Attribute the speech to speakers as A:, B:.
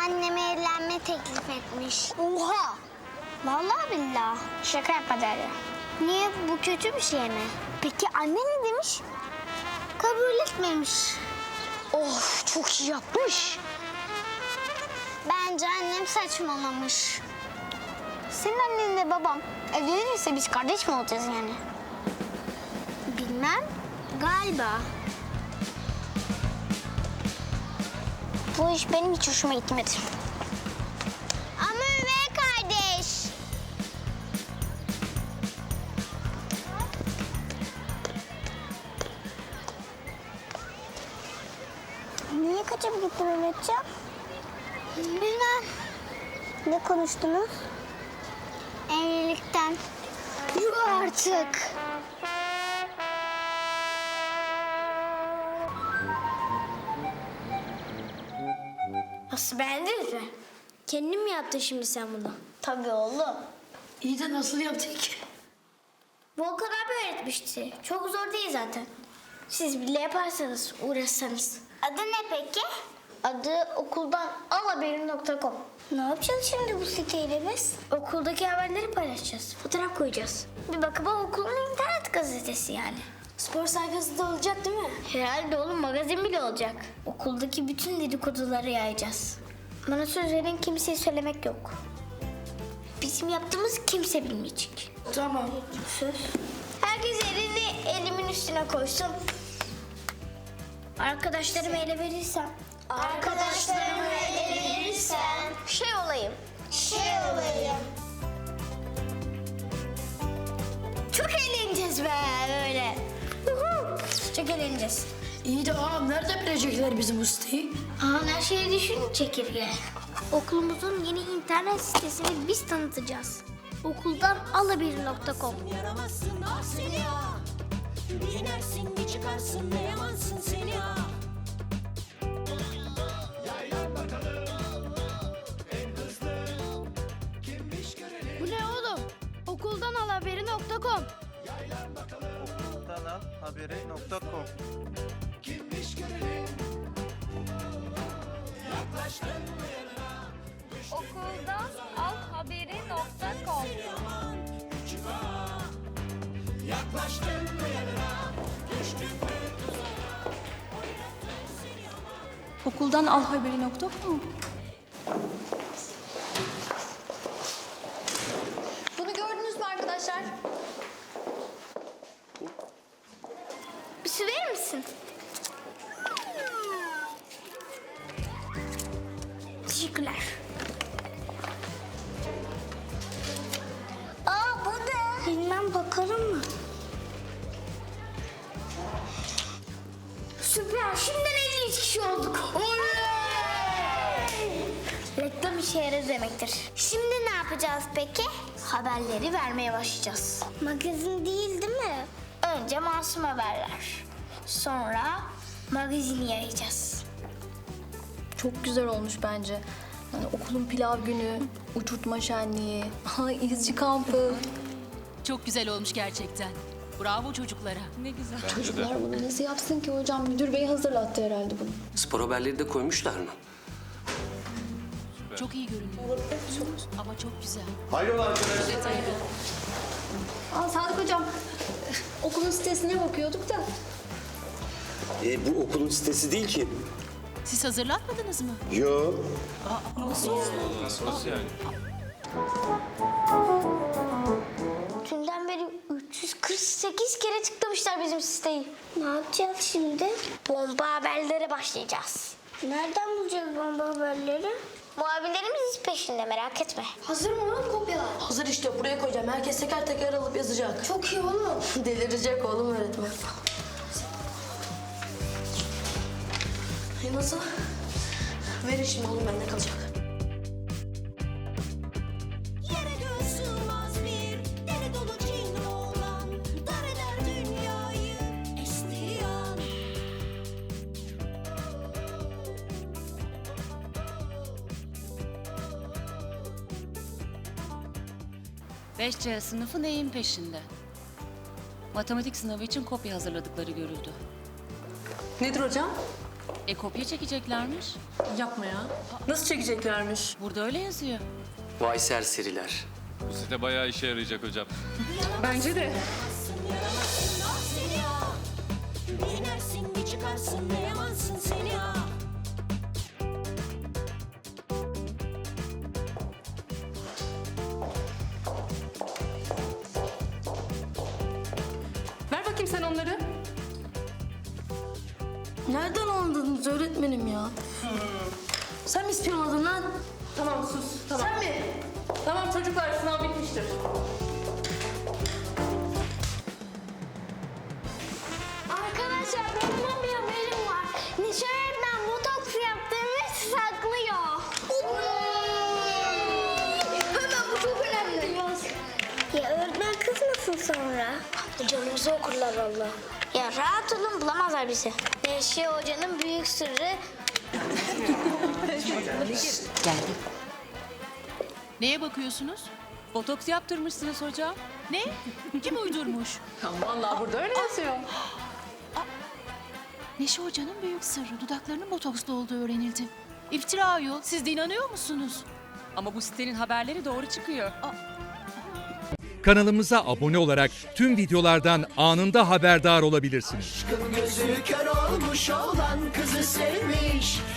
A: anneme evlenme teklif etmiş. Oha! Vallahi billahi.
B: Şaka yapma Derya.
A: Niye, bu kötü bir şey mi? Peki anne ne demiş? Kabul etmemiş.
B: Of, çok iyi yapmış.
A: Bence annem saçmalamış.
B: Senin annenle babam evlenirse biz kardeş mi olacağız yani?
A: Bilmem. Galiba.
B: Bu iş benim hiç hoşuma gitmedi.
A: Ama üvey kardeş.
B: Niye kaçıp gittin Mehmetciğim?
A: Bilmem.
B: Ne konuştunuz?
A: Evlilikten.
B: Yuh artık.
A: Nasıl, beğendiniz mi? Kendin mi yaptın şimdi sen bunu?
B: Tabii oğlum.
C: İyi de nasıl yaptık?
A: Volkan abi öğretmişti. Çok zor değil zaten. Siz bile yaparsanız, uğraşsanız. Adı ne peki?
B: Adı okuldan alhaberin.com.
A: Ne yapacağız şimdi bu siteyle biz? Okuldaki haberleri paylaşacağız. Fotoğraf koyacağız. Bir bakıma okulun internet gazetesi yani. Spor sayfası da olacak değil mi? Herhalde oğlum, magazin bile olacak. Okuldaki bütün dedikoduları yayacağız. Bana söz verin, kimseye söylemek yok. Bizim yaptığımız kimse bilmeyecek.
C: Tamam.
A: Söz. Herkes elini elimin üstüne koysun. Arkadaşlarımı ele verirsem. Arkadaşlarımı ele verirsem.
B: Şey olayım.
A: Çok eğleneceğiz be böyle. Çok eğleneceğiz.
C: İyi de ağam nerede bilecekler bizim bu siteyi?
A: Her şeyi düşün çekirge. Okulumuzun yeni internet sitesini biz tanıtacağız. Okuldan alabir.com.
D: Yaramazsın ah seni ya. Bir inersin bir çıkarsın ne yamansın seni ya.
E: Bu ne oğlum? Okuldan alhaberi.com.
F: Haberi.com.
E: Okuldan alhaberi.com.
G: Okuldan alhaberi.com. Bunu gördünüz mü arkadaşlar?
A: Bir su verir misin? Teşekkürler. Aa, bu ne? Bilmem, bakalım mı? Süper, şimdiden 53 kişi olduk. Reklam işe yarar demektir. Şimdi ne yapacağız peki? Haberleri vermeye başlayacağız. Magazin değil mi? Önce masum haberler. Sonra magazini yayacağız.
G: Çok güzel olmuş bence. Yani okulun pilav günü, uçurtma şenliği, izci kampı.
H: Çok güzel olmuş gerçekten. Bravo çocuklara. Ne güzel.
G: Çocuklar bunu nasıl yapsın ki hocam? Müdür bey hazırlattı herhalde bunu.
I: Spor haberleri de koymuşlar mı?
H: Çok iyi görünüyor. Ama çok güzel.
G: Aa, Sadık hocam, okulun sitesine bakıyorduk da.
I: Bu okulun sitesi değil ki.
H: Siz hazırlatmadınız mı?
I: Yo.
A: Dünden beri 348 kere tıklamışlar bizim siteyi. Ne yapacağız şimdi? Bomba haberlere başlayacağız. Nereden bulacağız bomba haberleri? Muhabirlerimiz peşinde, merak etme.
C: Hazır mı oğlum kopyalar? Hazır işte, buraya koyacağım. Herkes teker teker alıp yazacak. Çok iyi oğlum. Delirecek oğlum öğretmen. Nasıl? Verin şimdi oğlum, bende kalacak.
D: Yere göğe sığmaz bir deli dolu cin oğlan. Dar eder dünyayı estiği an.
H: 5C sınıfı neyin peşinde? Matematik sınavı için kopya hazırladıkları görüldü.
G: Nedir hocam?
H: Kopya çekeceklermiş.
C: Yapma ya. Nasıl çekeceklermiş?
H: Burada öyle yazıyor.
I: Vay serseriler.
F: Bu site bayağı işe yarayacak hocam.
C: Bence de.
D: Yaramazsın ah seni ya. Bir inersin bir çıkarsın ne yamansın seni ya.
C: Ver bakayım sen onları. Nereden anladınız öğretmenim ya? Sen mi ispiyonladın lan? Tamam sus. Tamam. Sen mi? Tamam çocuklar sınav bitmiştir.
B: Arkadaşlar benim bir haberim var. Nişan öğretmen botoks yaptığımı saklıyor. Hemen bu çok önemli. Ya öğretmen kızmasın sonra. Canımızı okurlar valla. Ya rahat olun bulamazlar bizi. Neşe Hoca'nın büyük sırrı
H: Neye bakıyorsunuz? Botoks yaptırmışsınız hocam. Ne? Kim uydurmuş?
C: Vallahi burada öyle yazıyor.
H: Neşe Hoca'nın büyük sırrı. Dudaklarının botokslu olduğu öğrenildi. İftira ayol. Siz de inanıyor musunuz? Ama bu sitenin haberleri doğru çıkıyor.
J: Kanalımıza abone olarak tüm videolardan anında haberdar olabilirsiniz.
K: Gözü kör olmuş olan kızı sevmiş.